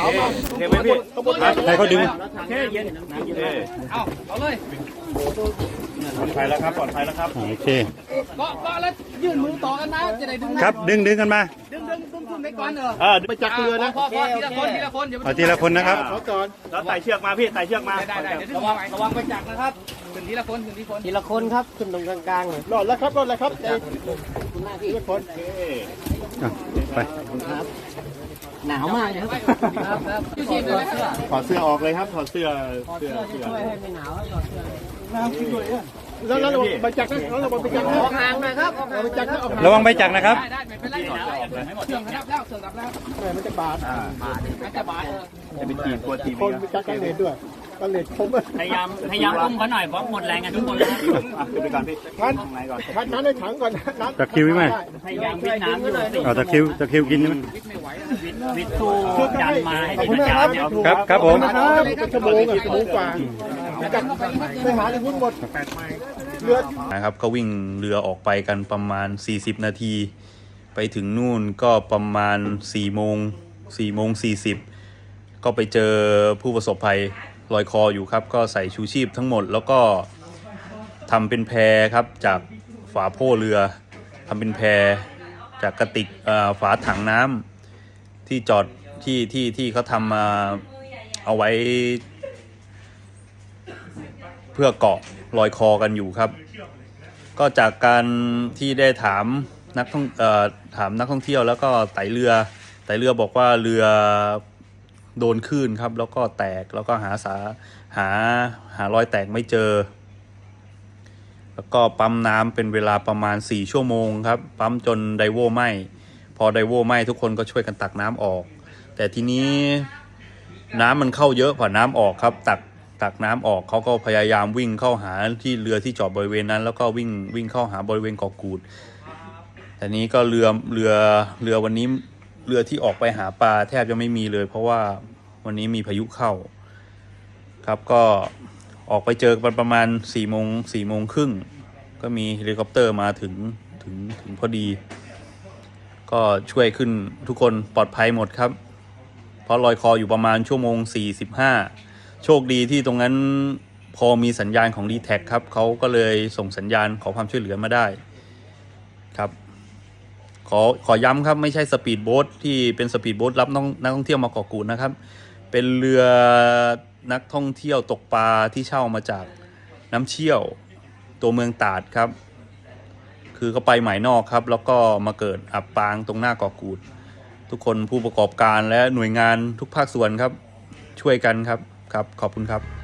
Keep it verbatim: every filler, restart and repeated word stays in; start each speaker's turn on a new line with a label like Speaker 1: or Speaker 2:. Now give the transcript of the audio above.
Speaker 1: เอามาเห็นไหมพี่
Speaker 2: ใครเขาดึง
Speaker 1: เท่เย็นน้ำเย็นเอาเอาเลย
Speaker 2: ปลอดภัยแล้วครับปลอดภัยแล้วครับโอเค
Speaker 1: เกาะเกาะแล้วยื่นมือต่อกันนะจะได้ดึง
Speaker 2: ครับดึงดึงกันมา
Speaker 1: ดึงดึงดึงดึงไปก่อนเออ
Speaker 2: เออไปจับเรือนะ
Speaker 1: พอพอทีละคนทีละคน
Speaker 2: เอาทีละคนนะครับ
Speaker 1: ก่อน
Speaker 2: แล้วไต่เชือกมาพี่ไต่เชือกมา
Speaker 1: ได้ได้ระวังระวังไปจับนะครับขึ้นทีละคนขึ้นทีละคน
Speaker 3: ทีละคนครับขึ้นตรงกลางๆเลย
Speaker 1: รอดแล้วครับรอดแล้วครับคุณหน้าที่ทีละคน
Speaker 2: ไป
Speaker 3: หนาวมากนะครับครับ
Speaker 2: ถอดเสื้อออกเลยครับถอดเสื้อเสื้อ
Speaker 3: ช่วยให้ไม่หนาวถอดเสื้อ
Speaker 1: น้ำขึ้นด้วยแล้วแล้วใบจักรนะแล้วใบจักร
Speaker 3: ออกห่างหน่อยครับ
Speaker 1: ใบจักรนะ
Speaker 2: ระวังใบจักรนะครับ
Speaker 1: ได้ไม่เป็นไรเสื่อมครับแล้วเสื่อมครับแล้วมันจะบาดมันจะบาด
Speaker 2: จะเป็นจีบตัวจีบ
Speaker 1: คนจักรกันเลนด้วยกันเลนคม
Speaker 3: พยายามพยายามอุ้มเขาหน่อยเพราะหมดแรงกันทุกคนแล้ว
Speaker 2: ขึ้นไปก่อนพี่
Speaker 1: คันคันน้ำในถังก่อนน้ำ
Speaker 2: ตะคิวไหม
Speaker 3: พยายามวิทน้ำอยู่
Speaker 2: เอาตะคิวตะคิวกินไหม
Speaker 3: วิททูยันมาให้
Speaker 2: ดีนะครับครับครับผม
Speaker 1: เป็นชั่วโมงอ่ะชั่วโมงกว่าไปหาในหุ้นหมด
Speaker 2: เรือนะครับก็วิ่งเรือออกไปกันประมาณสี่สิบนาทีไปถึงนู่นก็ประมาณสี่โมงสี่โมงสี่สิบก็ไปเจอผู้ประสบภัยลอยคออยู่ครับก็ใส่ชูชีพทั้งหมดแล้วก็ทำเป็นแพครับจากฝาโพ่เรือทำเป็นแพจากกระติกฝาถังน้ำที่จอดที่ที่ที่เขาทำมาเอาไว้เพื่อเกาะลอยคอกันอยู่ครับก็จากการที่ได้ถามนักท่องเอ่อถามนักท่องเที่ยวแล้วก็ไต่เรือไต่เรือบอกว่าเรือโดนคลื่นครับแล้วก็แตกแล้วก็หาสาหาหารอยแตกไม่เจอแล้วก็ปั๊มน้ำเป็นเวลาประมาณสี่ชั่วโมงครับปั๊มจนไดโวไหม้พอไดโวไหม้ทุกคนก็ช่วยกันตักน้ำออกแต่ทีนี้น้ำมันเข้าเยอะกว่าน้ำออกครับตักตักน้ำออกเขาก็พยายามวิ่งเข้าหาที่เรือที่จอดบริเวณนั้นแล้วก็วิ่งวิ่งเข้าหาบริเวณเกาะกูดแต่นี้ก็เรือเรือเรือวันนี้เรือที่ออกไปหาปลาแทบจะไม่มีเลยเพราะว่าวันนี้มีพายุเข้าครับก็ออกไปเจอกันประมาณสี่โมงสี่โมงครึ่งก็มีเฮลิคอปเตอร์มาถึงถึงถึงพอดีก็ช่วยขึ้นทุกคนปลอดภัยหมดครับเพราะลอยคออยู่ประมาณชั่วโมงสี่สิบห้าโชคดีที่ตรงนั้นพอมีสัญญาณของ ดี แท็ก ครับเขาก็เลยส่งสัญญาณขอความช่วยเหลือมาได้ครับขอขอย้ำครับไม่ใช่สปีดโบ๊ทที่เป็นสปีดโบ๊ทรับนักท่องเที่ยวมาเกาะกูดนะครับเป็นเรือนักท่องเที่ยวตกปลาที่เช่ามาจากน้ำเชี่ยวตัวเมืองตราดครับคือเขาไปหมายนอกครับแล้วก็มาเกิดอับปางตรงหน้าเกาะกูดทุกคนผู้ประกอบการและหน่วยงานทุกภาคส่วนครับช่วยกันครับครับขอบคุณครับ